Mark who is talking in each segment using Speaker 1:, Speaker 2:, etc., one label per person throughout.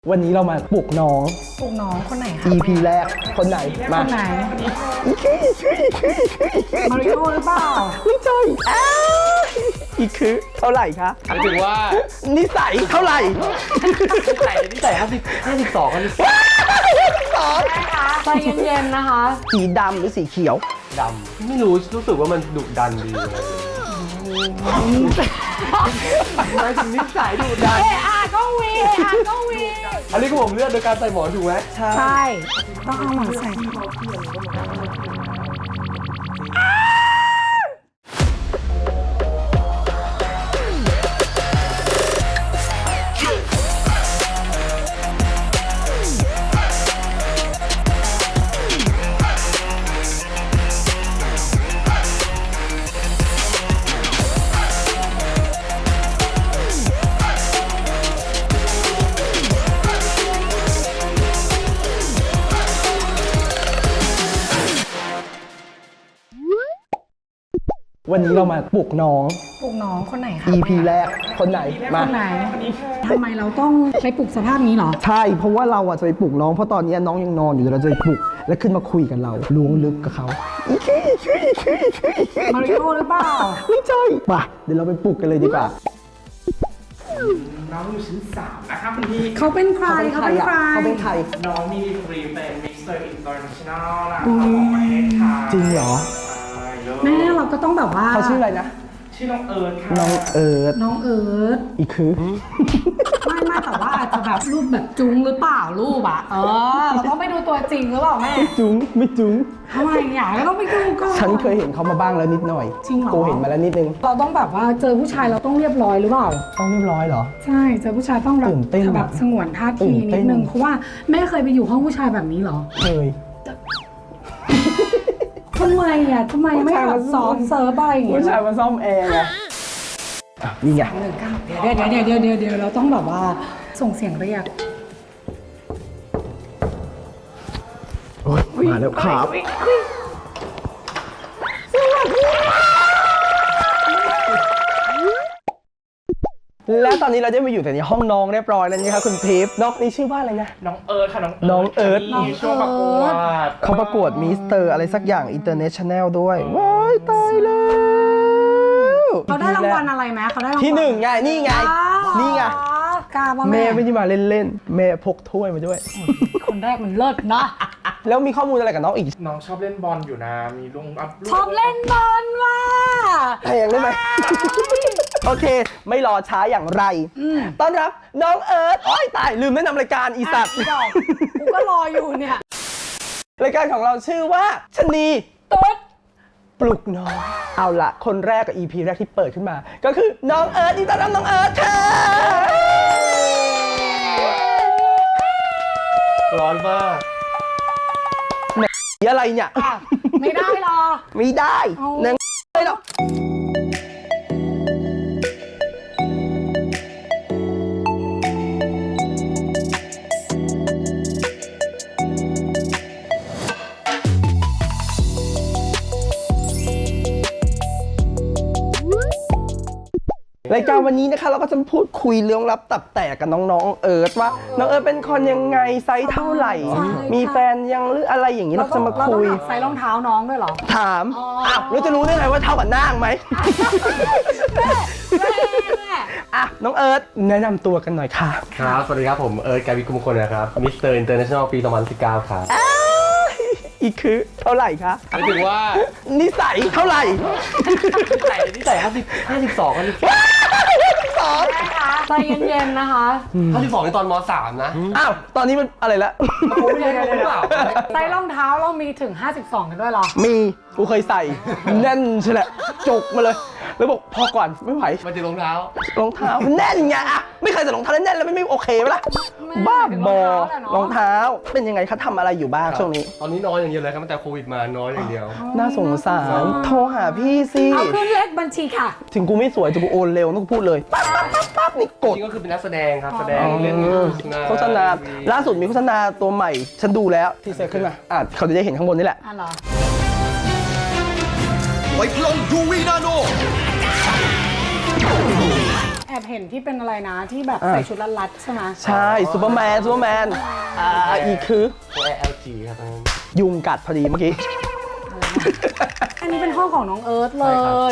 Speaker 1: วันนี้เรามาปลุกน้อง
Speaker 2: ปลุกน้องคนไหนคะ
Speaker 1: EP แรกคนไหนมา
Speaker 2: คนไหน
Speaker 1: อีคือ
Speaker 2: มาริโอหรือเปล่า
Speaker 1: ไม่ใช่อีคือเท่าไหร่คะ
Speaker 3: หมายถึงว่า
Speaker 1: นิสัยเท่าไหร่
Speaker 3: นิสัย52 กัน
Speaker 2: ใจเย็นๆนะคะ
Speaker 1: สีดำหรือสีเขียว
Speaker 3: ดำไม่รู้สึกว่ามันดุดันดีหมายถึงนิสัยดุดัน
Speaker 2: ก็วีก็วี
Speaker 3: อันนี้ก็ผมเลือกโดยการใส่หมอนถูกไหม
Speaker 2: ใช่ต้องเอาหมอนใส่
Speaker 1: วันนี้เรามาปลุกน้อง
Speaker 2: ปลุกน้องคนไหนคะ
Speaker 1: EP แรกคนไหนมา
Speaker 2: คนไหนทำไมเราต้องไปปลุกสภาพนี้เหรอ
Speaker 1: ใช่เพราะว่าเราจะไปปลุกน้องเพราะตอนนี้น้องยังนอนอยู่เดี๋ยวเราจะไปปลุกแล้วขึ้นมาคุยกับเราล้วงลึกกับเขา
Speaker 2: มาริโอหรือเปล่า
Speaker 1: ไม่ใช่ป่ะเดี๋ยวเราไปปลุกกันเลยดีกว่า
Speaker 4: น้องอยู่ชั้น3นะครับคุณพี่
Speaker 2: เขาเป็นใครเขาเป็นใคร
Speaker 1: เขาเป็นใคร
Speaker 4: น้องมีดีกรีเป็นมิสเตอร์อินเตอร์เนชั่นแนลนะครับของประเทศไทย
Speaker 1: จริงเหรอ
Speaker 4: ใช่เลย
Speaker 2: แม่เราก็ต้องแบบว่า
Speaker 1: เขาชื่ออะไรนะ
Speaker 4: ชื่อน้องเอิร์ธค่ะ
Speaker 1: น้องเอิร์ธ
Speaker 2: น้องเอิร์ธ
Speaker 1: อีคือ
Speaker 2: ไม่แต่ว่าอาจจะแบบรูปแบบจุ้งหรือเปล่ารูปอะเราต้องไปดูตัวจริงหรือเปล่าแม่
Speaker 1: จุ้งไม่จุ้ง
Speaker 2: ทำไมอยากก็ต้องไปดูก่อน
Speaker 1: ฉันเคยเห็นเขามาบ้างแล้วนิดหน่อย
Speaker 2: จริงเหรอ
Speaker 1: กูเห็นมาแล้วนิดนึง
Speaker 2: เราต้องแบบว่าเจอผู้ชายเราต้องเรียบร้อยหรือเปล่า
Speaker 1: ต้องเรียบร้อยเหรอ
Speaker 2: ใช่เจอผู้ชายต้องแบบ
Speaker 1: ตื่นเต้น
Speaker 2: แบบสงวนท่า
Speaker 1: ตื่
Speaker 2: ที
Speaker 1: นเต้
Speaker 2: นิ
Speaker 1: น
Speaker 2: ดนึงเพราะว่าแม่เคยไปอยู่ห้องผู้ชายแบบนี้เหรอ
Speaker 1: เคย
Speaker 2: ทำไมทำไมไม่แบบซ้อมเซิร์ฟอะไรอย่างเงี้
Speaker 1: ผู้ชาย
Speaker 2: ย
Speaker 1: มาซ่อมแอร์ไงอ่ะนี่ไง
Speaker 2: เดี๋ยวเราต้องแบบว่าส่งเสียงเรียก
Speaker 1: โอ๊ยมาแล้วครับและตอนนี้เราได้มาอยู่แต่ในห้องน้องเรียบร้อยแล้วนี่ครับคุณทิพย์น้องนี่ชื่อว่าอะไรนะ
Speaker 4: น้องเอิร์ธค่ะ
Speaker 1: น้องเอิร์ธ
Speaker 4: มีช่วงประกวด
Speaker 1: เขาประกวดมิสเตอร์อะไรสักอย่างอินเตอร์เนชั่นแนลด้วย ว้ายตายแล้ว
Speaker 2: เขาได้รางวัลอะไรไหมเขาได้รางวัล
Speaker 1: ที่หนึ่งไง นี่ไง นี่ไง
Speaker 2: กล้าป่ะ
Speaker 1: แม่
Speaker 2: แม่
Speaker 1: ไม่ได้มาเล่นๆ แม่พกถ้วยมาด้วย
Speaker 2: คนแรกมันเลิศนะ
Speaker 1: แล้วมีข้อมูลอะไรกับน้องอีก
Speaker 4: น้องชอบเล่นบอลอยู่นะ มีลงอัพรูป
Speaker 2: ชอบเล่นบอลว่ะ
Speaker 1: แพงได้ไหม โอเค ไม่รอช้าอย่างไร ต้อนรับน้องเอิร์ธโอ้ยตาย ลืมแนะนำรายการอีสัตว์
Speaker 2: ดอกกูก็รออยู่เนี่ย
Speaker 1: รายการของเราชื่อว่าชะนี
Speaker 2: ตุ๊ด
Speaker 1: ปลุกน้อง เอาละคนแรกกับ EP แรกที่เปิดขึ้นมา ก็คือน้องเอิร์ธนี่ต้อนรับน้องเอิร์ธค่ะ
Speaker 3: ร้อนมาก
Speaker 1: อะไรเนี่ย
Speaker 2: ไม่ได้หรอ
Speaker 1: ไม่ได้
Speaker 2: เอา
Speaker 1: นางไม่หรอกรายการวันนี้นะคะเราก็จะพูดคุยเรื่องลับตับแตกกับน้องๆเอิร์ธว่าน้องเอิร์ธเป็นคนยังไงไซส์เท่าไหร่ มีแฟนยังหรืออะไรอย่างนี้เราจะมาคุย
Speaker 2: ใส่รองเท้าน้องด้วยเหรอ
Speaker 1: ถามอ้าวแล้วจะรู้ได้ไงว่าเท่ากับนางไหม
Speaker 2: แม่
Speaker 1: อ่ะน้องเอิร์ธแนะนำตัวกันหน่อยค่ะ
Speaker 3: ครับ สวัสดีครับผมเอิร์ธกาวิกุมงคลนะครับมิสเตอร์อินเตอร์เนชั่นแนลปี2019ครับ
Speaker 1: อีกคือเท่าไหร่คะ
Speaker 3: หมายถึงว่า
Speaker 1: นิสัยเท่าไหร่
Speaker 3: นิสัย52 กัน
Speaker 1: สอง
Speaker 2: ใจเย็นๆนะคะ
Speaker 3: 52ในตอนม.3 นะ
Speaker 1: อ้าวตอนนี้มันอะไรละ
Speaker 3: ผมไม่ได้รู้หรือเปล่า
Speaker 2: ใส่รองเท้าเรามีถึง 52 กันด้วยเหรอ
Speaker 1: มีกูเคยใส่แน่นใช่แหละจกมาเลย แล้วบอกพอก่อนไม่ไหว
Speaker 3: มาถึงรองเท้าร
Speaker 1: องเท้าแน่นไงอะไม่เคยใส่รองเท้าแน่นๆแล้วไม่โอเคไหมล่ะ
Speaker 2: ไม่
Speaker 1: บ้าบอ
Speaker 2: รองเท้าแหละเนอะ
Speaker 1: รองเท้าเป็นยังไงคะทำอะไรอยู่บ้างช่วงนี้
Speaker 3: ตอนนี้น้อยอย่างเดียวเลยครับตั้งแต่โควิดมาน้อยอย่างเดียว
Speaker 1: น่าสงสารโทรหาพี่สิ
Speaker 2: เอาขึ้นเลขบัญชีค่ะ
Speaker 1: ถึงกูไม่สวยแต่กูโอนเร็วต้องพูดเลยปั๊บปั๊บปั๊บปั๊บนี่ก
Speaker 3: จ
Speaker 1: ด
Speaker 3: ริงก็คือเป็นนักแสดงครับแสดง
Speaker 1: อ๋อ
Speaker 3: เล่น
Speaker 1: โฆษณาล่าสุดมีโฆษณาตัวใหม่ ฉันดูแล้วที่เซตขึ้นมาเขาจะได้เห็นข้างบนนี่แหละ
Speaker 2: อ่ะเหรอ
Speaker 5: ไวพลองยูวีนาโน
Speaker 2: แอบเห็นที่เป็นอะไรนะที่แบบใส่ชุดรัดๆใช่ไหม
Speaker 1: ใช่ซูเปอร์แมนอีกคือ
Speaker 3: LG ครับตอนนั้น
Speaker 1: ยุงกัดพอดีเมื่อกี้
Speaker 2: อันนี้เป็นห้องของน้องเอิร์ธเลย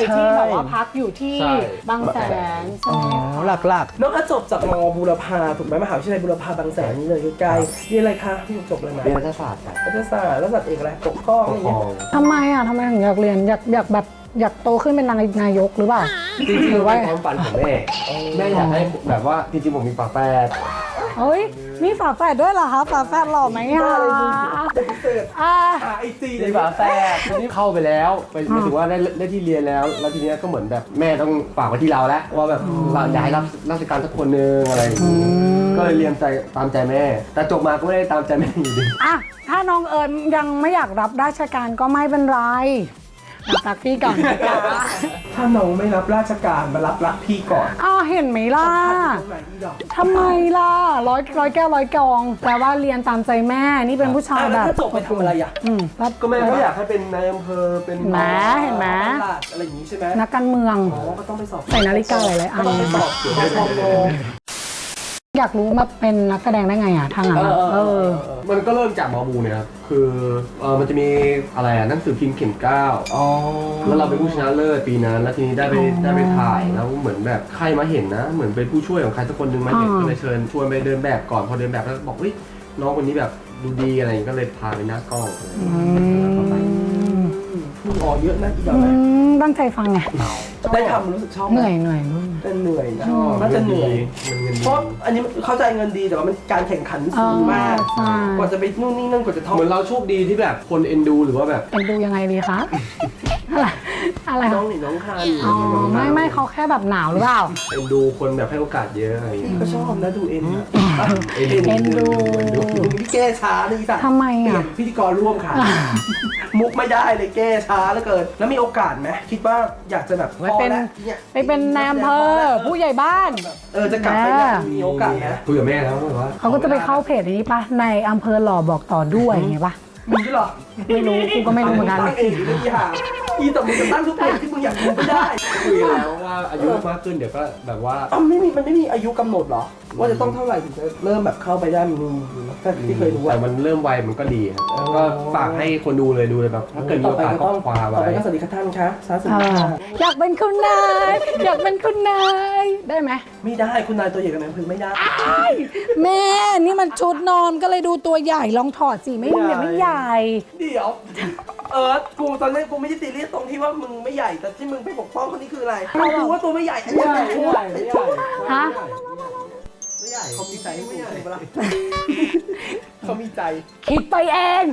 Speaker 1: ใช่
Speaker 2: ที่แบบว่าพักอยู่ที่
Speaker 3: ใช่
Speaker 2: บางแสนใช่ไหมคะ
Speaker 1: หลักๆน้องก็จบจากมบูรพาถูกไหมมหาวิทยาลัยบูรพาบางแสนนี่เลยใกล้ๆเรียนอะไรคะพี่จบเลยไหม
Speaker 3: เรียนรัฐศาสตร์ครับ
Speaker 1: รัฐศาสตร์แล้วสัตว์เอกอะไรปกครอง
Speaker 3: ป
Speaker 1: อะไร
Speaker 3: กคร
Speaker 1: เงี้
Speaker 3: อย ง
Speaker 2: ทำไมถึงอยากเรียนอยากแบบอยากโตขึ้นเป็นนายกหรือเปล่า
Speaker 3: จริงๆเป็นความฝันของแม่อยากให้แบบว่าจริงๆผมมีฝาแฝด
Speaker 2: เฮ้ยมีฝาแฝดด้วยเหรอคะฝาแฝดหล่อไหมคะอ่า
Speaker 1: ไอจี
Speaker 3: มีฝาแฝดทีนี้เข้าไปแล้วไปหมายถึงว่าได้ที่เรียนแล้วทีนี้ก็เหมือนแบบแม่ต้องฝากไว้ที่เราแล้วว่าแบบเราอยากให้รับราชการสักคนนึงอะไรอย่างงี้ก็เลยเรียนตามใจแม่ แต่จบมาก็ไม่ได้ตามใจแม่อยู่ดี
Speaker 2: อ่ะถ้าน้องเอิญยังไม่อยากรับราชการก็ไม่เป็นไรรักพี่ก่อนนะคะ
Speaker 1: ถ้าน้องไม่รับราชการมารับรักพี่ก่อน
Speaker 2: อ้าวเห็นไหมล่ะ
Speaker 1: ตรงไหนอีดอก
Speaker 2: ทำไมล่ะร้อยแก้วร้อยกองแปลว่าเรียนตามใจแม่นี่เป็นผู้ชาย
Speaker 1: อ่ะ
Speaker 2: แบ
Speaker 1: แล้ว
Speaker 2: บ
Speaker 1: ถ้าจบไปทำอะไรอ่ะ
Speaker 2: รับ
Speaker 3: ก็แม่ก็อยากให้เป็นนายอำเภอเป็น
Speaker 2: เห็นไหมเห็นไหม
Speaker 1: ตลาดอะไรอย่างนี้ใช่ไหม
Speaker 2: นักการเมือง
Speaker 1: อ๋อก็ต้องไปสอบ
Speaker 2: ใส่นาฬิกาหลายๆอัน
Speaker 1: ก็ต้องไปสอบเกี่ยวกับโ
Speaker 2: อยากรู้มาเป็นนักแสดงได้ไงอ่ะทางนั้นอะ
Speaker 3: มันก็เริ่มจากหมอบูเนี่ยครับคือมันจะมีอะไรหนังสือพิมพ์เข็มเกล้า
Speaker 1: อ๋อ
Speaker 3: แล้วเราเป็นผู้ชนะเลิศปีนั้นแล้วทีนี้ได้ไปถ่ายแล้วเหมือนแบบใครมาเห็นนะ เหมือนเป็นผู้ช่วยของใครสักคนหนึงมาเห็นก็เลยเชิญชวนไปเดินแบบก่อนพอเดินแบบแล้วบอกเฮ้ยน้องคนนี้แบบดูดีอะไรอย่างงี้ก็เลยพาไปหน้ากล้องอะไรอย่างเงี้ย
Speaker 1: พูดออกเยอะนะอีดอก
Speaker 2: ตั้งใจฟังไง
Speaker 1: ได้ทำรู้สึกชอบไห
Speaker 2: เห
Speaker 1: ม
Speaker 2: นื่อย
Speaker 1: แต่เหนื่อยนะน่าจะเหนื่อย
Speaker 3: มันเงิน
Speaker 1: เพ
Speaker 3: ดี
Speaker 1: ราะอันนี้เข้าใจเงินดีแต่ว่ามันการแข่งขันสูงมาก
Speaker 2: ใช่
Speaker 1: กว่าจะไปนู่นนี่นั่นกว่าจะท่อง
Speaker 3: เหมือนเราโชคดีที่แบบคนเอ็นดูหรือว่าแบบ
Speaker 2: เป็นดูยังไงดีคะอะไร
Speaker 1: น้
Speaker 2: คะ
Speaker 1: องหนีน้องคัน
Speaker 2: อ๋อไม่เขาแค่แบบหนาวหรือเปล่า
Speaker 3: เอ็นดูคนแบบให้โอกาสเยอะอะไรอย่างเงี้ย
Speaker 1: ก็ชอบนะดูเอ็นอะ
Speaker 2: เอ็นดู
Speaker 1: พี่แก้ช้าเลยอีสัตว์
Speaker 2: ทำไม
Speaker 1: เปลี่ย
Speaker 2: อ่ะ
Speaker 1: นพิธีกรร่วมค่ะ มุกไม่ได้เลยแก้ช้าเหลือเกิน แล้วมีโอกาสไหมคิดว่าอยากจะแบบ
Speaker 2: ไปเป็น
Speaker 1: พอแล้วย
Speaker 2: ไปเป็นนายอำเภอผู้ใหญ่บ้าน
Speaker 1: จะกลับไปเนี่ยมีโอกาสนะ
Speaker 3: คุยกับแม่แล้วแบบว่า
Speaker 2: เขาก็จะไปเข้าเพจนี้ปะในอำเภอหล่อบอกต่อด้วยไงปะ
Speaker 1: มีด้วยเหรอ
Speaker 2: ไม่รู้กูก็ไม่รู้เหมือนกัน
Speaker 1: ตั้งเองหรือไม่มีหางอีแต่มึงจะตั้งทุกเพจที่มึงอยากดูไม่ได้
Speaker 3: คุยแล้วว่าอายุมากขึ้นเดี๋ยวก็แบบว่า
Speaker 1: มันไม่มีอายุกำหนดเหรอ ว่าจะต้องเท่าไหร่ถึงจะเริ่มแบบเข้าไปได้มีก็ที่เคยรู้
Speaker 3: แต่
Speaker 1: อะ
Speaker 3: มันเริ่มไวมันก็ดีครับก็ฝากให้คนดูเลยแบบถ้าเกิดมี
Speaker 1: ต่อ
Speaker 3: โอ
Speaker 1: ไป
Speaker 3: กาส
Speaker 1: ก็
Speaker 3: ก็
Speaker 1: ต้อง
Speaker 3: คว้า
Speaker 1: ต่อ
Speaker 3: ไว้
Speaker 1: ไปก็สวัสดีครับท่านคะสาธุค่ะ
Speaker 2: อยากเป็นคุณนายอยากเป็นคุณนายได้ไหม
Speaker 1: ไม่ได้คุณนายตัวใหญ่กับนายพึ่งไม่ได้
Speaker 2: แม่นี่มันชุดนอนก็เลยดูตัวใหญ่ลองถอดสิไม่ใหญ่
Speaker 1: เดี๋ยวกูตอนแรกกูไม่ได้ตีเรียกตรงที่ว่ามึงไม่ใหญ่แต่ที่มึงไปปกป้องคนนี้คืออะไรมึงรู้ว่าตัวไม่ใหญ่อันนี้ใหญ่
Speaker 2: ฮะ
Speaker 3: ไม่ใหญ่
Speaker 1: เขามีใจไม่ใหญ่ปะล่ะเขามีใจ
Speaker 2: คิดไปเอง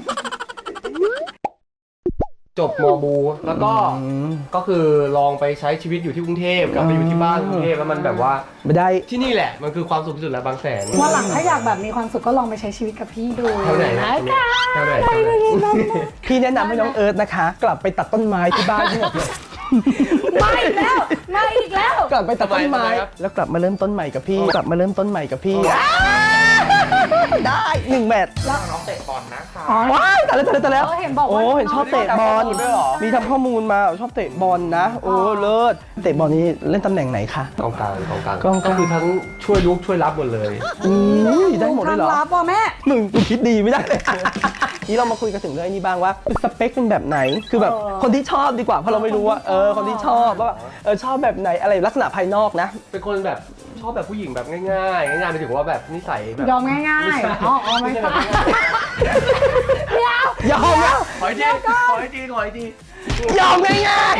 Speaker 3: จบมอบูแล้วก็คือลองไปใช้ชีวิตอยู่ที่กรุงเทพกลับไปอยู่ที่บ้านกรุงเทพแล้วมันแบบว่า
Speaker 1: ไม่ได้
Speaker 3: ที่นี่แหละมันคือความสุขที่สุดแล้วบางแสน
Speaker 2: วันหลังถ้าอยากแบบมีความสุขก็ลองไปใช้ชีวิตกับพี่ดู
Speaker 3: แถวไหนนะ
Speaker 2: นะคะ
Speaker 3: แถวไหน
Speaker 1: พี่แนะนำให้น้องเอิร์ธนะคะ กลับไปตัดต้นไม้ที่บ้านที่หมดเลย
Speaker 2: ไม่อีกแล้วไม่อีกแล้ว
Speaker 1: กลับไปตัดต้นไม้ แล้วกลับมาเริ่มต้นใหม่กับพี่กลับมาเริ่มต้นใหม่กับพี่ได้1 แมตช์
Speaker 4: น้องเตะบอลนะคะ
Speaker 2: อ๋อ
Speaker 1: ว้ายแต่แล้ว
Speaker 2: เห็นบอกว่า
Speaker 1: โอ้เห็นชอบเตะบอลมีทำข้อมูลมาชอบเตะบอลนะ โอ้เลิศเตะบอลนี้เล่นตำแหน่งไหนคะ
Speaker 3: กองกลาง
Speaker 1: กองกลาง
Speaker 3: ก็คือทั้งช่วยลุกช่วยรับหมดเลย
Speaker 1: ได้หมดเลยเหรอ
Speaker 2: ทำลับว่ะแม่
Speaker 1: มึงคิดดีไม่ได้เลย นี่เรามาคุยกันถึงเรื่องนี้บ้างว่าสเปคเป็นแบบไหนคือแบบคนที่ชอบดีกว่าเพราะเราไม่รู้ว่าคนที่ชอบว่าชอบแบบไหนอะไรลักษณะภายนอกนะ
Speaker 3: เป็นคนแบบชอบแบบผู้หญิงแบบง่ายๆง่ายๆไปถึงว่าแบบนิสัยแบบ
Speaker 2: ยอมง่ายๆอ๋อไม่ใช่เดี๋ยวย
Speaker 1: อมแล้ว
Speaker 3: ขออีกทีขออีกที
Speaker 1: ยอมง่าย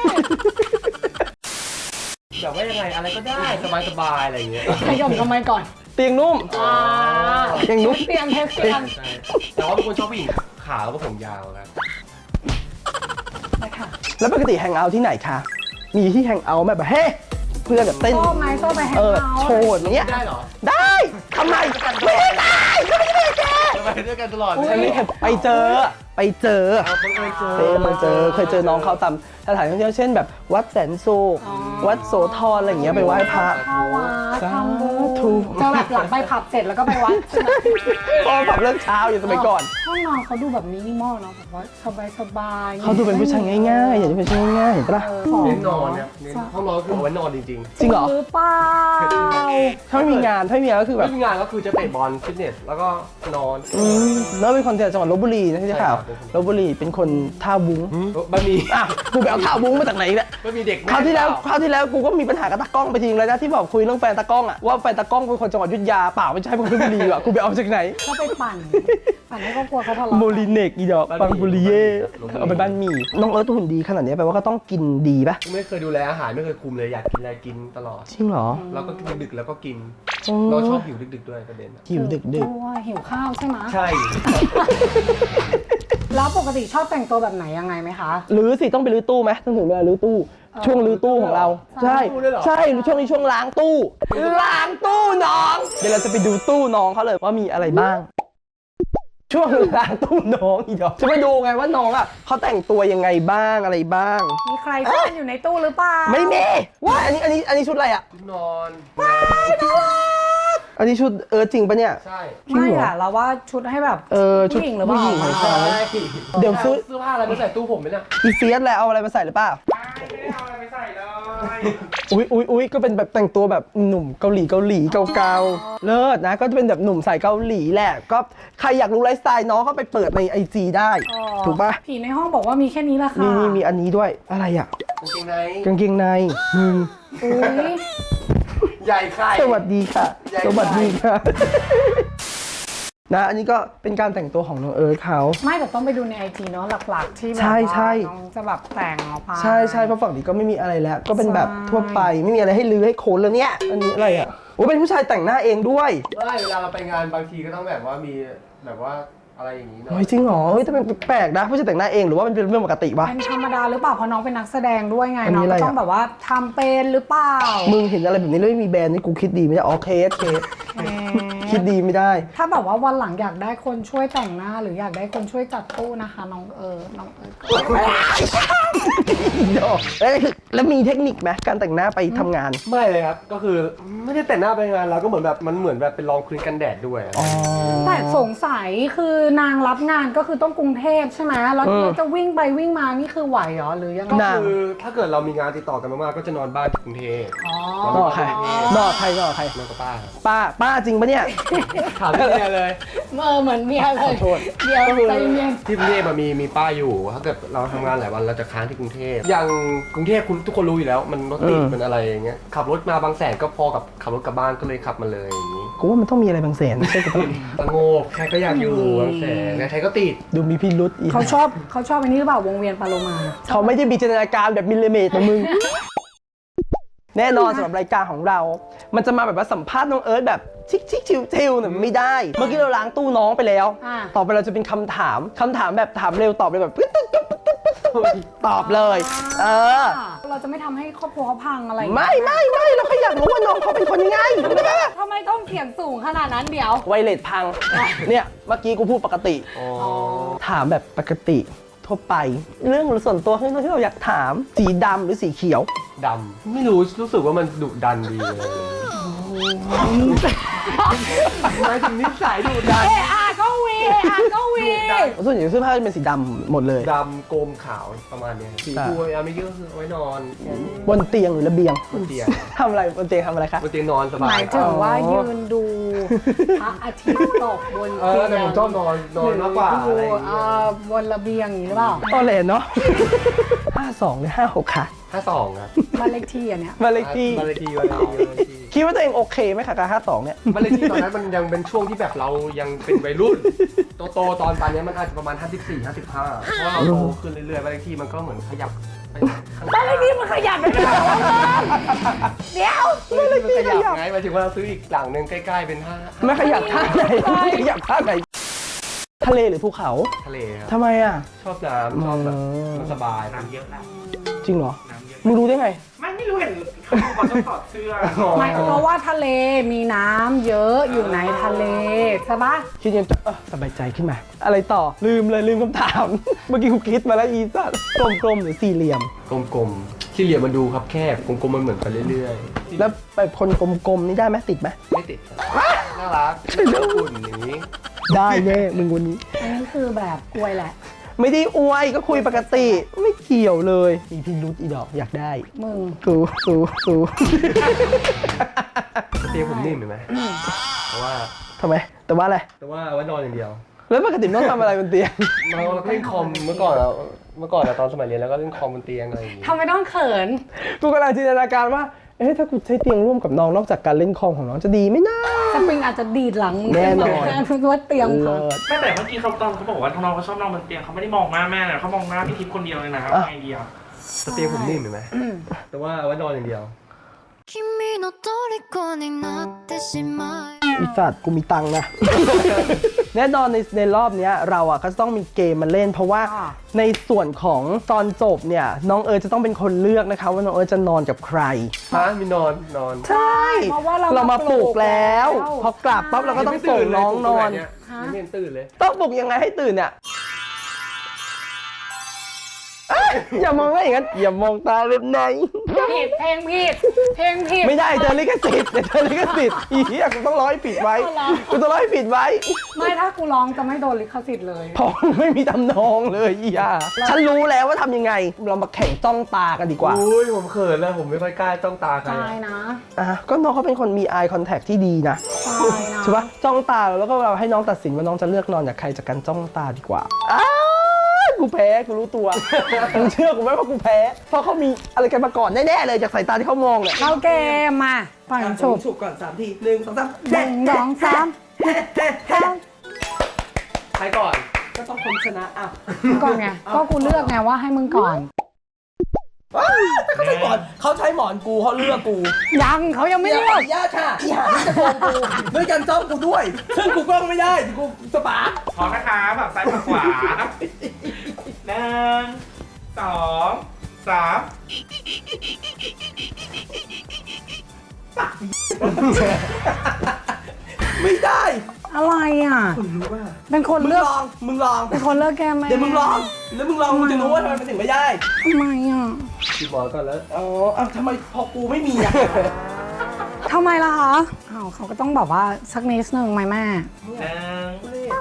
Speaker 3: แบบว่ายังไงอะไรก็ได้สบายๆอะไรอย่างเงี้ย
Speaker 2: ขยมทำไมก่อน
Speaker 1: ๆเตียงนุ่ม เตียงนุ่ม
Speaker 2: เตียงเทสเตียง
Speaker 3: ใช่แต่ว่าเป็นคนชอบผู้หญิงขาวแล้วก็ผมยาวครับ
Speaker 2: นะคะ
Speaker 1: แล้วปกติแฮงเอาท์ที่ไหนคะมีที่แฮงเอาท์ไหมแบบเฮ้เพื่อนแบบเต้น
Speaker 2: ชอบไหมชอบไปแฮง
Speaker 1: โช
Speaker 2: เอาท์
Speaker 1: ว์อย่างเงี้ย
Speaker 3: ได้เหรอ
Speaker 1: ได้ทำไมไม่ได้ก็ไม่ได้แก
Speaker 3: จะไปด้วยกันตลอด
Speaker 1: ฉันไม่เคยไปเจอเคยเจอน้องเขาตามสถานที่ท่องเที่ยวเช่นแบบวัดแสนสุขวัดโสธรอะไรอย่างเงี้ยไปไหว้พระ
Speaker 2: เข้าวัดทำบุญ
Speaker 1: ถูก
Speaker 2: จะแบบหลังไปผับเสร็จแล้วก็ไปวัดใช่ไหม
Speaker 1: พอแบบเลิกเช้าอยู่สมัยก่อน
Speaker 2: ห้องนอนเขาดูแบบมินิมอลเนาะแบบว่าสบายๆ
Speaker 1: เขาดูเป็นผู้ชายง่ายๆ อย่างที่เป็นผู้ชายง่ายๆ เห็นปะล่ะ
Speaker 3: เน้นนอนเนี่ยเน้นห้องนอนคือเอาไว้นอนจริง
Speaker 1: จริงเหรอ
Speaker 2: หรือเปล่า
Speaker 1: ถ้าไม่มีงานก็คือ
Speaker 3: ๆ
Speaker 1: แบบ
Speaker 3: ไม่มีงานก็คือจะเตะบอลฟิตเนสแล้วก็นอน
Speaker 1: แล้วเป็นคนจากจังหวัดลบบุรีนะที่ได้ข่าว
Speaker 3: ใช่ครับ
Speaker 1: ลบบุรีเป็นคนท่าวุ้ง
Speaker 3: บะหมี่
Speaker 1: อ่ะกูไปเอาท่าวุ้งมาจากไหนเนี่ย
Speaker 3: บะหมี่เด็ก
Speaker 1: คราวที่แล้วกูก็มีปัญหากับตากล้องไปจริงเลยนะที่บอกคุยเรื่องแฟนตากล้องอ่ะว่าแฟนตากล้องเป็นคนจังหวัดอยุธยาเปล่าไม่ใช่เป็นคนลพบุรีอ่ะกูไปเอาจากไหน
Speaker 2: เขาไปปั่นให้ครอบครัวเขาทะเลาะ
Speaker 1: โมลิเนกอีดอกปังบุรีเย่เอาไปบ้านหมี่น้องเอิร์ธหุ่นดีขนาดนี้แปลว่าก็ต้องกินดีปะ
Speaker 3: ไม่เคยดูแลอาหารไม่เคยคุมเลยอยากกินอะไรกินตลอด
Speaker 1: จริงเหรอ
Speaker 3: แล้วก็กินดึกๆแล้วก็กิน
Speaker 1: อืม
Speaker 3: เราชอบหิวดึกๆด้วยประเด็นอะ
Speaker 1: หิวดึก
Speaker 2: เพราะว่าหิวข้าวใช่ไหม
Speaker 3: ใช่
Speaker 2: แล้วปกติชอบแต่งตัวแบบไหนยังไงไหมคะ
Speaker 1: หรือสิต้องไปรื้อตู้ไหมต้องถึงเวลารื้อตู้ ช่วงรื้อตู้ของเรา ใช่ใช่ช่วงนี้ช่วงล้างตู้ล้างตู้น้อง เดี๋ยวเราจะไปดูตู้น้องเขาเลยว่ามีอะไรบ้าง ช่วงล้างตู้น้องอีดอกจะไปดูไงว่าน้องอ่ะเขาแต่งตัวยังไงบ้างอะไรบ้าง
Speaker 2: มีใครซ่อนอยู่ในตู้หรือเปล่า
Speaker 1: ไม่มีว่าอันนี้ชุดอะไรอ่ะ
Speaker 3: นอน
Speaker 1: อันนี้ชุดจริงปะเนี่ย
Speaker 3: ใช่
Speaker 2: ไม่อะเราว่าชุดให้แบบ
Speaker 1: ชุด
Speaker 2: ผู้หญิงหรือเปล่า
Speaker 1: ผู้หญิง
Speaker 3: ใช่
Speaker 1: ใช่เดี๋ยวซื้อ
Speaker 3: เสื้อผ้าอะไรมาใส่ตู้ผมไหมเนี่ย
Speaker 1: อีเฟียสแหละเอาอะไรมาใส่หรือเปล่า
Speaker 4: ไม่ได้เอาอะไรไปใส่เลย
Speaker 1: อุ๊ยก็เป็นแบบแต่งตัวแบบหนุ่มเกาหลีเก่าๆเลิศนะก็จะเป็นแบบหนุ่มสายเกาหลีแหละก็ใครอยากรู้ไลฟ์สไตล์น้องก็ไปเปิดใน IG ได้
Speaker 2: อ๋อ
Speaker 1: ถูกปะ
Speaker 2: ผีในห้องบอกว่ามีแค่นี้แหละค่ะ
Speaker 1: นี่มีอันนี้ด้วยอะไรอ่ะ
Speaker 3: กางเกงใน
Speaker 1: กางเกงในมึง
Speaker 2: อุ้ย
Speaker 3: ใหญ่ไข่
Speaker 1: สวัสดีค่ะ
Speaker 3: ใหญ่
Speaker 1: สวัสดีค่ะ นะอันนี้ก็เป็นการแต่งตัวของน้องเอิร์ธเขา
Speaker 2: ไม่แต่ต้องไปดูในไอจีเนาะหลักๆ ที่แบบ
Speaker 1: ใช่
Speaker 2: ว่า
Speaker 1: ใช่
Speaker 2: น้องจะแบบแต่งออกมา
Speaker 1: ใช่เพราะฝั่งนี้ก็ไม่มีอะไรแล้ว ก็เป็นแบบ
Speaker 2: ใช่
Speaker 1: ทั่วไปไม่มีอะไรให้ลื้อให้โคนแล้วเนี่ยอันนี้อะไรอ่ะโอ้เป็นผู้ชายแต่งหน้าเองด้วย
Speaker 3: ไม่เวลาเราไปงานบางทีก็ต้องแบบว่ามีแบบว่าอะไรอย่างนี้เนาะ
Speaker 1: เฮ้ยจริงเหรอเฮ้ยแต่เป็นแปลกนะผู้ชายแต่งหน้าเองหรือว่ามันเป็นเรื่องปกติวะ
Speaker 2: เป็นธรรมดาหรือเปล่าเพราะน้องเป็นนักแสดงด้วยไง
Speaker 1: อันนี้
Speaker 2: น้อง
Speaker 1: อะไร
Speaker 2: ก็
Speaker 1: อะ
Speaker 2: ต้องแบบว่าทำเป็นหรือเปล่า
Speaker 1: มึงเห็นอะไรแบบนี้แล้วไม่มีแบรนด์นี่กูคิดดีไม่ได้อ๋อเคสคิดดีไม่ได้
Speaker 2: ถ้าแบบว่าวันหลังอยากได้คนช่วยแต่งหน้า หรืออยากได้คนช่วยจัดตู้นะคะน้องเอิร์ธ
Speaker 1: ดอกเอ้ยแล้วมีเทคนิคไหมการแต่งหน้าไปทำงาน
Speaker 3: ไม่เลยครับก็คือไม่ได้แต่งหน้าไปงานเราก็เหมือนแบบมันเหมือนแบบเป็นรองพื้นกันแดดด้วยอะ
Speaker 2: แต่สงสัยคือนางรับงานก็คือต้องกรุงเทพใช่ไหมแล้วจะวิ่งไปวิ่งมานี่คือไหวเหรอหรือยังไง
Speaker 1: นาง
Speaker 3: คือถ้าเกิดเรามีงานติดต่อกันมากๆก็จะนอนบ้านที่กรุงเทพ
Speaker 2: อ๋อ
Speaker 1: นอกใครนอกใคร
Speaker 3: นอนกับป้าครับ
Speaker 1: ป้าจริงปะเนี่ย
Speaker 3: ถามพี่เมียเลย
Speaker 2: เหมือนเมียเลย
Speaker 1: ขอโทษ
Speaker 2: เดี๋ยวใจเย็น
Speaker 3: ที่กรุงเทพมีป้าอยู่ถ้าเกิดเราทำงานหลายวันเราจะค้างที่กรุงเทพอย่างกรุงเทพคุณทุกคนรู้อยู่แล้วมันรถติดมันอะไรอย่างเงี้ยขับรถมาบางแสนก็พอกับขับรถกลับบ้านก็เลยขับมาเลยอย่างนี้
Speaker 1: กูว่ามันต้องมีอะไรบางแสนใช่ปะ
Speaker 3: สงบใครก็อยากอยู่บางแสนใครก็ติด
Speaker 1: ดูมีพิรุษอีก
Speaker 2: เขาชอบอันนี้หรือเปล่าวงเวียนปาโลมา
Speaker 1: เขาไม่ได้มีจินตนาการแบบมิลลิเมตรของมึง แน่นอนสำหรับรายการของเรา มันจะมาแบบว่าสัมภาษณ์น้องเอิร์ธแบบชิคชิวๆเนี่ยไม่ได้ เมื่อกี้เราล้างตู้น้องไปแล้ว ต่อไปเราจะเป็นคำถามแบบถามเร็วตอบเร็วแบบปึ๊ดตอบเลย
Speaker 2: เราจะไม่ทำให้ครอบครัวเขาพังอะไร
Speaker 1: ไม่เราแค่อยากรู้ว่าน้องเขาเป็นคนยังไง
Speaker 2: ทำไมต้องเถียงสูงขนาดนั้นเดี๋ยว
Speaker 1: ไวเลสพัง เนี่ยเมื่อกี้กูพูดปกติ ถามแบบปกติทั่วไป เรื่องส่วนตัวที่เราอยากถามสีดำหรือสีเขียว
Speaker 3: ดำไม่รู้สึกว่ามันดุดันดีเลยหมายถึงนิสัยดุดัน
Speaker 2: ก็วี
Speaker 1: ส่วนใหญ่เสื้อผ้าจะเป็นสีดำหมดเลย
Speaker 3: ดำโกมขาวประมาณเนี้ยสีฟูเอาไม่เยอะคือเอาไว้นอน
Speaker 1: บนเตียงหรือระเบียง
Speaker 3: บนเตียง
Speaker 1: ทำอะไรบนเตียงทำอะไรคะ
Speaker 3: บนเตียงนอนส
Speaker 2: ห
Speaker 3: บาย
Speaker 2: มายถึงว่ายืนดูพระอาทิตย์ตกบนเตียง
Speaker 3: แต่ผมชอบนอนมากกว่าอะไรอย่างเงี้ย
Speaker 2: บนระเบียงอย่างนี้หรือเปล่า
Speaker 1: ตอแหลเนาะ 52 หรือ 56 ค่ะ
Speaker 3: 52ครับ
Speaker 2: บ้านเลขที่อันเนี้ย
Speaker 1: บ้านเลขที่
Speaker 3: บ้านเลขที่บ้านเลขที่
Speaker 1: คิดว่าตัวเองโอเคไหมคะกับ52 เนี่ย
Speaker 3: บ้านเลขที่ตอนนั้นมันยังเป็นช่วงที่แบบเรายังเป็นวัยรุ่น โตตอนป่านนี้มันอาจจะประมาณ54 55เพราะว่าเราโตขึ้นเรื่อยๆบ้านเลขที่มันก็เหมือนขยับไปข้างห
Speaker 2: บ้า
Speaker 3: น้าน
Speaker 2: เลขที่มันขยับไปเลยเดี๋ยว
Speaker 3: บ้านเลขที่มันขยับไงหมายถึงว่าเราซื้ออีกหลังนึงใกล้ๆเป็น5
Speaker 1: ไม่ขยับท่าไหนไม่ขยับท่าไหน ทะเลหรือภูเขา
Speaker 3: ทะเลครับ
Speaker 1: ทำไมอ่ะ
Speaker 3: ชอบน้ำชอบแบบมันสบาย
Speaker 4: น้ำเยอะนะ
Speaker 1: จริงเหรอ
Speaker 4: น้ำเยอะ
Speaker 1: มึงรู้ได้ไง
Speaker 4: ไม่รู้เห็นเขาต้องถอดเสื้อ
Speaker 2: ไม่เพราะว่าทะเลมีน้ำเยอะอยู่ในทะเลใช่ปะ
Speaker 1: คิดยังสบายใจขึ้นมา อะไรต่อ ลืมคำถาม เมื่อกี้กูคิดมาแล้วอีสัตว์กลมๆหรือสี่เหลี่ยม
Speaker 3: กลมๆที่เหลี่ยมมันดูครับแคบกลมๆมันเหมือนไปเรื่อย
Speaker 1: แล้วไปคนกลมๆนี่ได้ไหมติดไหม
Speaker 3: ไม่ติดน่ารักอุ่นอย่างนี้
Speaker 1: ได้แน่มึงวันนี้
Speaker 2: อันนี้คือแบบกล้วยแหละ
Speaker 1: ไม่ได้อวยก็คุยปกติ ไม่เกี่ยวเลยมีพิรุธอีดอกอยากได้
Speaker 2: มึง
Speaker 1: กู
Speaker 3: เตียงผมนิ่มเห็นไหมเพราะว่า
Speaker 1: ทำไมแต่ว่าอะไร
Speaker 3: แต่ว่าไว้นอนอย่างเดียว
Speaker 1: แล้วปกติต้องทำอะไรบนเตียง
Speaker 3: เราเล่นคอมเมื่อก่อนตอนสมัยเรียนแล้วก็เล่นคอมบนเตียงอะไรอย่างงี้
Speaker 2: ทำไมต้องเขิน
Speaker 1: กูกำลังจินตนาการว่าเอ๊ะถ้ากูใช้เตียงร่วมกับน้องนอกจากการเล่นคอมของน้องจะดีไหมนะ
Speaker 2: สปริงอาจจะดีดหลังมึง
Speaker 1: แน่นอน
Speaker 2: เพราะว่าเตียงพัง
Speaker 1: เลิศ
Speaker 4: ไม่แต่เมื่อกี้เขาตอนเขาบอกว่าน้องเขาชอบนอนบนเตียงเขาไม่ได้มองหน้าแม่นะเขามองหน้าพี่ทิพย์คนเดียวเลยนะไอเดีย
Speaker 3: แต่เตียงผมนิ่มเห็นไหมแต่ว่าไว้นอนอย่างเดียว
Speaker 5: 君の虜になってしまい
Speaker 1: อีสัตว์กูมีตังค์นะ แน่นอนในรอบเนี้ยเราอ่ะก็จะต้องมีเกมมาเล่น เพราะว่าในส่วนของตอนจบเนี่ยน้องเอิร์ธจะต้องเป็นคนเลือกนะคะว่าน้องเอิร์ธจะนอนกับใคร
Speaker 3: ฮะมีนอน
Speaker 1: ใช่
Speaker 2: เพราะว่าเรา
Speaker 1: เรามาปลุกแล้ว
Speaker 2: แล้ว
Speaker 1: พอกลับปั๊บเราก็ต้องส่งน้องนอน
Speaker 3: ยังไม่เห็นตื่นเลย
Speaker 1: ต้องปลุกยังไงให้ตื่นเนี่ยเอ้ยอย่ามองว่าอย่างนั้นอย่ามองตาเล็บไหน
Speaker 2: ผิดเพลงผิดเพลงผิด
Speaker 1: ไม่ได้เจอลิขสิทธิ์เดี๋ยวเจอลิขสิทธิ์อีเหี้ยกูต้องร้อยผิดไว้
Speaker 2: เอาเหรอ
Speaker 1: กูต้องร้อยผิดไว้
Speaker 2: ไม่ถ้ากูร้องจะไม่โดนลิขสิทธิ์เลย
Speaker 1: เพราะไม่มีทำนองเลยอีห่าฉันรู้แล้วว่าทำยังไง เรามาแข่งจ้องตากันดีกว่า
Speaker 3: อุ้ยผมเขินนะผมไม่ค่อยกล้าจ้องตาใคร
Speaker 2: ใช่นะ
Speaker 1: ก็น้องเขาเป็นคนมี eye contact ที่ดีนะ
Speaker 2: ใช่นะ
Speaker 1: ใช่ปะจ้องตาแล้วก็เราให้น้องตัดสินว่าน้องจะเลือกนอนจากใครจากการจ้องตาดีกว่าอ้าวกูแพ้กูรู้ตัว มึงเชื่อกูไหมว่ากูแพ้ เพราะเขามีอะไรกันมาก่อนแน่ๆเลยจากสายตาที่เขามองเนี่ย
Speaker 2: เข้าเกมมาฝั่งฉุบ
Speaker 1: ฉุบก่อน3 ที1 2 3
Speaker 2: 1 2 3
Speaker 3: ใครก่อน
Speaker 1: ก็ต้องคนชนะอ่ะ
Speaker 2: ก่อนไงก็กูเลือกไงว่าให้มึงก่อน
Speaker 1: เขาใช้หมอนเขาใช้หมอนกูเขาเลือกกู
Speaker 2: ยังเขายังไม่
Speaker 1: ไม่
Speaker 2: เลื
Speaker 1: ได้
Speaker 2: อก
Speaker 1: ญาติค่ะอีหานี่จะโกงกูด้วยการจ้องกูด้วย ซึ่งกูกล้องไม่ได้กูสปาร์ค
Speaker 4: พร้อมนะคะแบบซ้ายกับขวาหนึ่งสองสาม
Speaker 1: ไม่ได้
Speaker 2: อะไรอ่ะ
Speaker 1: คุณรู้ป่ะ
Speaker 2: เป็นคน
Speaker 1: มึง
Speaker 2: เลือก
Speaker 1: ลองมึงลอง
Speaker 2: เป็นคนเลือกแกไหม
Speaker 1: เดี๋ยวมึงลองแล้วมึงลองมึงจะรู้ว่าทำไมมันถึงไม่ได้
Speaker 2: ทำไมอ่ะ
Speaker 3: คิดหมอนก่อนแล้ว
Speaker 1: อ๋ออ้าวทำไมพอกูไม่มีอ่ะ
Speaker 2: ทำไมล่ะคะอ้าวเขาก็ต้องแบบว่าสักนิดนึงไหมแม่
Speaker 4: หนึ่ง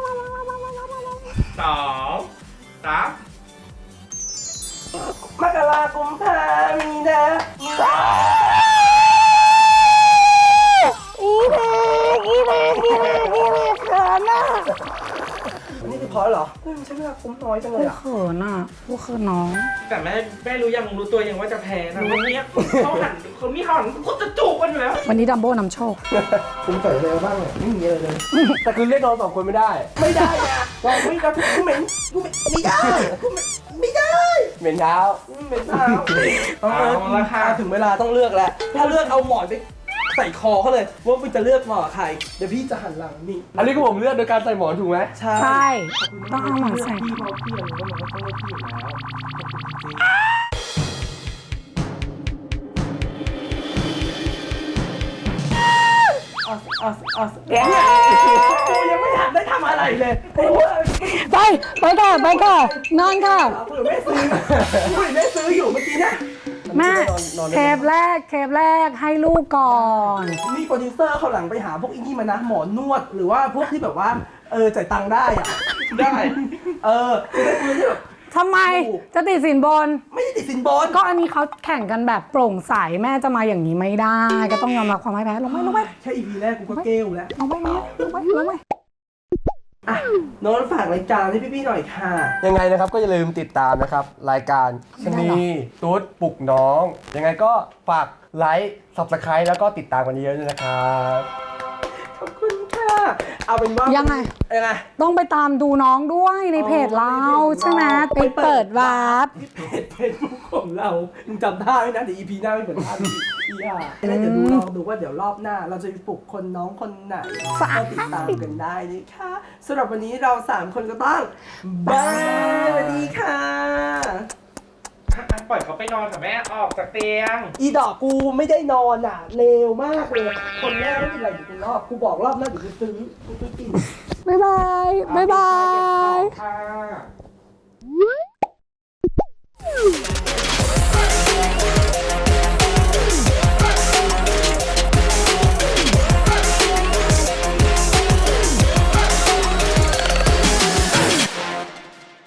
Speaker 4: สองสาม
Speaker 1: มกราคมพามีนาอีเมเขินอ่ะนี่คือพอเหรอใช้เวลาคุ้มน้อยจังเล
Speaker 2: กู
Speaker 1: ยอ่ะ
Speaker 2: เขินอ่ะกูเขินน้อง
Speaker 4: แต่แม่รู้ยังรู้ตัวยังว่าจะแพ้นะวันนี้เขาหันกูจะจูบกันอยู่แล้ว
Speaker 2: วันนี้ดัมโบ้นำโชค
Speaker 1: คุ้มใส่เร็วบ้างเลยไม่มีอะไรเลย
Speaker 3: แต่คือเรียกนอน2 คนไม่ได้
Speaker 1: ไม่ได้นะบอกไม่ได้กูเหม็นไม่ได้กูไม่ได้
Speaker 3: เหม็นเท้า
Speaker 1: เหม็นเท้า
Speaker 4: เอาละค่ะ
Speaker 1: ถึงเวลาต้องเลือกแล้ว ถ้าเลือกเอาหมอนไปใส่คอเขาเลย ว่ามึงจะเลือกหมอนกับใคร เดี๋ยวพี่จะหันหลังนี่
Speaker 3: อันนี้ก็ผมเลือกโดยการใส่หมอนถูกไหม
Speaker 1: ใช่
Speaker 2: ใช่ ต้องเอาหมอนใส่
Speaker 1: พี่เขาเพี่ยนว่ามันก็ต้องเลือกพี่อยู่แล้วเดี๋ยวกูยังไม่ทันได้ทำอะไรเลย
Speaker 2: ไปค่ะไปค่ะนอนค่ะ
Speaker 1: เผื่อแม่ซื้อกูเห็นแม่ซื้ออยู่เมื่อกี้นะ
Speaker 2: แม่เทปแรกให้ลูกก่อน
Speaker 1: นี่โปรดิวเซอร์เขาหลังไปหาพวกอีนี่มานะหมอนวดหรือว่าพวกที่แบบว่าจ่ายตังค์ได้อะได้จะได้ซื้อที่แบบ
Speaker 2: ทำไมจะติดสินบน
Speaker 1: ไม่ได้ติดสินบน
Speaker 2: ก็อันนี้เขาแข่งกันแบบโปร่งใสแม่จะมาอย่างนี้ไม่ได้ ก็ต้องยอมรับความพ่ายแพ้ลงไป
Speaker 1: แค่ EP แรกกูก็เกลแล้ว
Speaker 2: ลงไป
Speaker 1: อ่ะโน้ตฝากรายการให้พี่ๆหน่อยค่ะ
Speaker 3: ยังไงนะครับก็อย่าลืมติดตามนะครับ รายการชะนีตุ๊ดปลุกน้อง ยังไงก็ฝากไลค์ Subscribe แล้วก็ติดตามกันเยอะๆด้วยนะครับ
Speaker 1: ขอบคุณค่ะเอาเป็นว่า
Speaker 2: ยั
Speaker 1: ยัง
Speaker 2: ไง ต้องไปตามดูน้องด้วยในเพจเราใช่ไหมไปเปิดวาร์ป
Speaker 1: ที่เพจบุ๊กของเรามึงจำได้ไหมนะเดี๋ยว EP หน้าไม่เหมือนภาพอีอ่ะแล้วเดี๋ยวลองดูว่าเดี๋ยวรอบหน้า เราจะไปปลุกคนน้องคนไหนก็ติดตามกันได้นะคะสำหรับวันนี้เรา3คนก็ต้องบายสวัสดีค่ะ
Speaker 4: ปล่อยเขาไปนอนกับแม่ออกจากเตียง
Speaker 1: อีดอกกูไม่ได้นอนอ่ะเลวมากเลยคนแรกไม่เป็นไรอยู่เป็นรอบกูบอกรอบหน้าเดี๋ยวกูซื้อกิน
Speaker 2: บ๊ายบาย
Speaker 4: ค่ะ